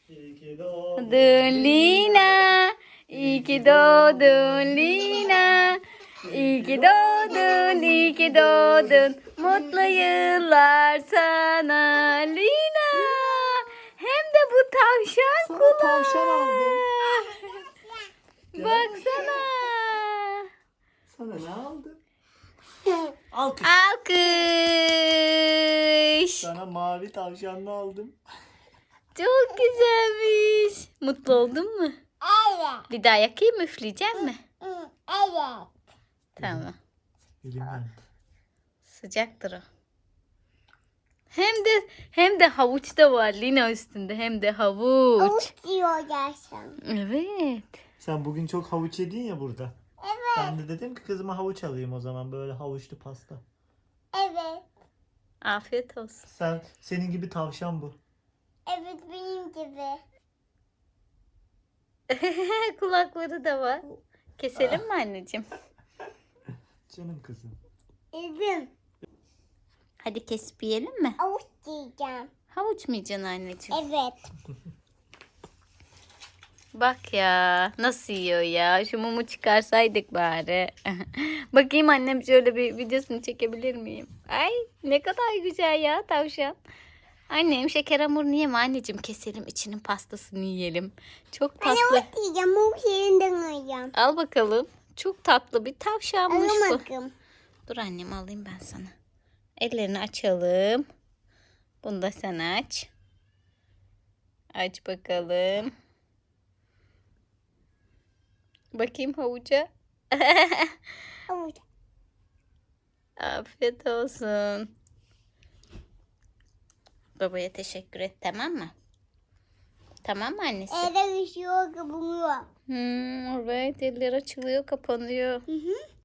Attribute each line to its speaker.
Speaker 1: İyi ki doğdun
Speaker 2: Doğdun Lina. İyi ki doğdun Lina. İyi ki doğdun, iyi ki doğdun. Mutlu yıllar sana Lina. Hem de bu tavşan
Speaker 1: Sana
Speaker 2: kulağı.
Speaker 1: tavşan aldım.
Speaker 2: Baksana.
Speaker 1: Sana ne aldım? Alkış.
Speaker 2: Alkış.
Speaker 1: Sana mavi tavşanlı aldım.
Speaker 2: Çok güzelmiş. Mutlu oldun mu?
Speaker 3: Evet.
Speaker 2: Bir daha yakayım mı? Üfleyecek mi?
Speaker 3: Evet.
Speaker 2: Tamam.
Speaker 1: Elimden.
Speaker 2: Sıcaktır o. Hem de havuç da var Lina üstünde. Hem de havuç.
Speaker 3: Avuç diyor gerçekten.
Speaker 2: Evet.
Speaker 1: Sen bugün çok havuç yedin ya burada.
Speaker 3: Evet.
Speaker 1: Ben de dedim ki kızıma havuç alayım o zaman. Böyle havuçlu pasta.
Speaker 3: Evet.
Speaker 2: Afiyet olsun.
Speaker 1: Senin gibi tavşan bu.
Speaker 3: Evet benim gibi.
Speaker 2: Kulakları da var. Keselim mi anneciğim?
Speaker 1: Canım kızım.
Speaker 3: Yedim.
Speaker 2: Hadi kesip yiyelim mi?
Speaker 3: Avuç diyeceğim.
Speaker 2: Havuç mu yiyeceksin anneciğim?
Speaker 3: Evet.
Speaker 2: Bak ya nasıl yiyor ya. Şu mumu çıkarsaydık bari. Bakayım annem şöyle bir videosunu çekebilir miyim? Ay ne kadar güzel ya tavşan. Annem şeker hamurunu yeme anneciğim. Keselim içinin pastasını yiyelim. Çok
Speaker 3: Ben
Speaker 2: tatlı.
Speaker 3: avuç diyeceğim. Avuç yerinden alacağım.
Speaker 2: Al bakalım. Çok tatlı bir tavşanmış bu.
Speaker 3: Alamadım.
Speaker 2: Dur annem alayım ben sana. Ellerini açalım. Bunu da sen aç. Aç bakalım. Bakayım havuca.
Speaker 3: Avuç.
Speaker 2: Afiyet olsun. Babaya teşekkür et tamam mı? Tamam mı annesi?
Speaker 3: Evde üşüyor, kabuğuyor.
Speaker 2: Evet eller açılıyor kapanıyor.
Speaker 3: Hı hı.